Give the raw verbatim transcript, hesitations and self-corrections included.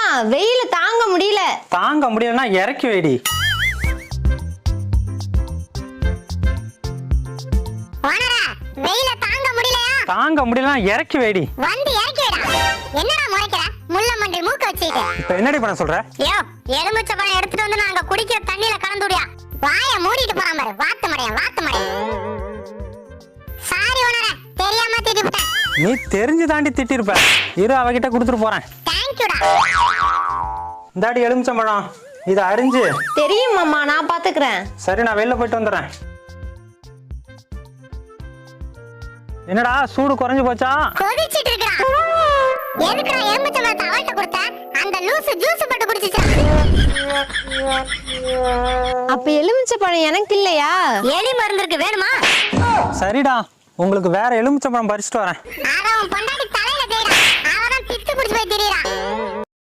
வெயில தாங்க முடியல. தாங்க முடியலன்னா இறக்கி வைடி. ஓனரா வெயில தாங்க முடியலையா? தாங்க முடியலன்னா இறக்கி வைடி. வந்து இறக்கி வைடா. என்னடா முறைக்கிற? முள்ள மண்டி மூக்க வச்சிட்டு. இப்ப என்னடி பண்ண சொல்ற? யோ, எலுமிச்சை பழம் எடுத்துட்டு வந்து நாங்க குடிக்கிற தண்ணியில கலந்துடியா. வாயை மூடிட்டு போறான் பாரு. வாத்து மடையா, வாத்து மடையா. சாரி ஓனரா, தெரியாம திட்டிட்டேன். நீ தெரிஞ்சு தாண்டி திட்டிருப்ப. இரு அவகிட்ட கொடுத்துட்டு போறேன். தேங்க்யூடா. இந்தாடி எலுமிச்சம்பழம், இதை அரிஞ்சு. தெரியும் மாமா, நான் பாத்துக்கிறேன். சரி, நான் வெளில போயிட்டு வந்துடுறேன். என்னடா சூடு குறைஞ்சு போச்சா? கொதிச்சிட்டு இருக்கா? எதுக்குடா எலுமிச்சை பழத்தை அவள்கிட்ட கொடுத்த? அந்த லூசு ஜூஸ் போட்டு குடிச்சிச்சா? அப்ப எலுமிச்சை பழம் எனக்கு இல்லையா? எலி மருந்து இருக்கு, வேணுமா? சரிடா, உங்களுக்கு வேற எலுமிச்சம்பழம் பறிச்சுட்டு வரேன். அவன் பொண்டாட்டி தலையில தேடா. அவன் பித்து குடிச்சு போய் திரியறான்.